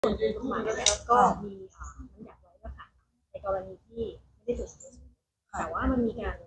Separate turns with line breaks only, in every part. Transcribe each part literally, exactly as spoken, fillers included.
ส่วนกฎหมายเนี่ยก็มีบัญญัติไว้ว่าค่ะในกรณีที่ไม่ได้จดทะเบียนแต่ว่ามันมีการ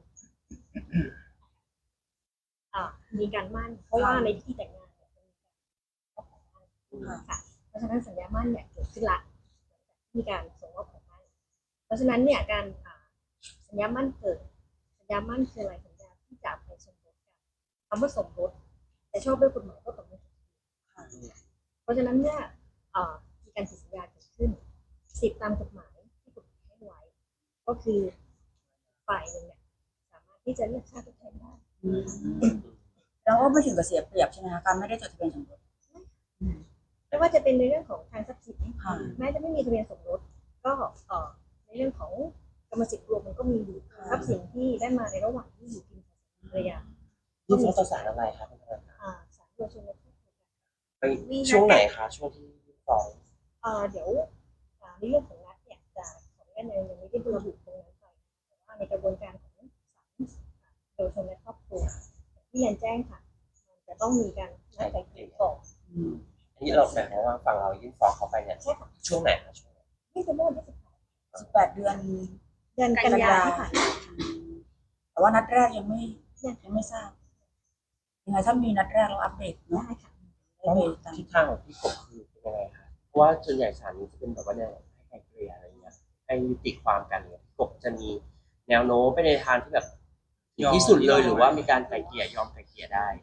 มีการมั่นเพราะว่าในพิธีแต่งงานเนี่ยมันมีการมอบของมั่นค่ะเพราะฉะนั้นสัญญามั่นเนี่ยเกิดขึ้นละมีการส่งมอบของมั่นเพราะฉะนั้นเนี่ยการสัญญามั่นเกิดสัญญามั่นคืออะไรสัญญาที่จะไปสมรสกันคำว่าสมรสแต่ชอบด้วยกฎหมายก็ต้องมีเพราะฉะนั้นเนี่ยมีการผิดสัญญาเกิดขึ้นสิทธิตามกฎหมายที่กฎหมายให้ไว้ก็คือฝ่ายหนึ่งเนี่ยสามารถที่จะเรียกค่าทดแทนได้
แล้วก็ไม่ถึงกับเสียเปรียบใช่ไหมคะการไม่ได้จดทะเบียนสมรส
ไม่ว่าจะเป็นในเรื่องของทางทรัพย์สินแม้จะไม่มีทะเบียนสมรสก็ในเรื่องของกรรมสิทธิ์รวมมันก็มีอยู่ทรัพย์สินที่ได้มาในระหว่างที่อยู่กินภรรยา
ยื่นฟ้องต่อศาลอะไรครับท่านประธาน
ศาลเยาวชนและครอบครัว
ไปช่วงไหนคะช่วงที่ยื่นฟ้อง
เดี๋ยวในเรื่องของนัดเนี่ยจะขออนุญาตยังไม่ได้ระบุตรงนั้นไปแต่ว่าในกระบวนการของศาลเยาวชนและครอบครัวที่เรียนแจ้งค่ะมันจะต้องมีการนัดไกลเกลี่ยก่อน
อันนี้เราหมายความว่าฝั่งเรายื่นฟ้องเขาไปเนี่ยช่วงไหนคะช่วง
ที่จะเมื่อวันที่
สิบแปดเดือน
เดือนกันยายนค่ะ
แต่ว่านัดแรกยังไม่ยังไม่ทราบยังไงถ้ามีนัดแรกเราอัปเดตเนาะ
ได้ค่ะ
ทิศทางของพี่กบคือเป็นยังไงคะเพราะว่าส่วนใหญ่ศาลนี้จะเป็นแบบว่าเนี่ยให้ไกลเกลี่ยอะไรเงี้ยให้ยุติความกันเนี่ยพี่กบจะมีแนวโน้มไปในทางที่แบบที่สุดเลยหรือว่ามีการไกลเกลี่ยยอมไกลเกลี่ยได้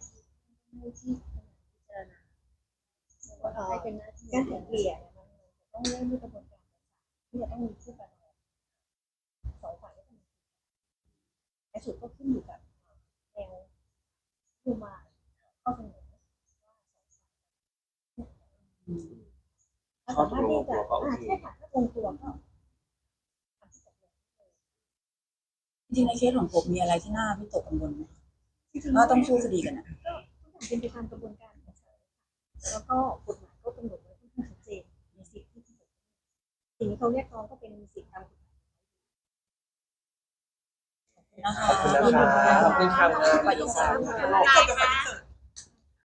การไกลเกลี่ยเนี่ยมันต้องเริ่มด้วยกระบวนการที่จะต้องมีผู้ประนอมสองฝ่ายต้องมีในสุดก็ขึ้นอยู่กับแนวผู้มาข้อเสนอ
ข้อตกลงตัวก็โอเค
ใช่ค่ะถ้าลงตัวก็
จริงในเคสของผมมีอะไรที่น่าวิตกกังวลไหมก็ต้องสู้คดีกันนะ
ก็ทุกอย่างเป็นไปตามกระบวนการของศาลแล้วก็กฎหมายก็กำหนดไว้ค่อนข้างชัดเจนในสิทธิที่สิ่งที่เขาเรียกร้องก็เป็นสิทธิตามกฎหมาย
นะคะ
ขอบคุณนะคะขอบคุณค่ะ
ไปอีกสาม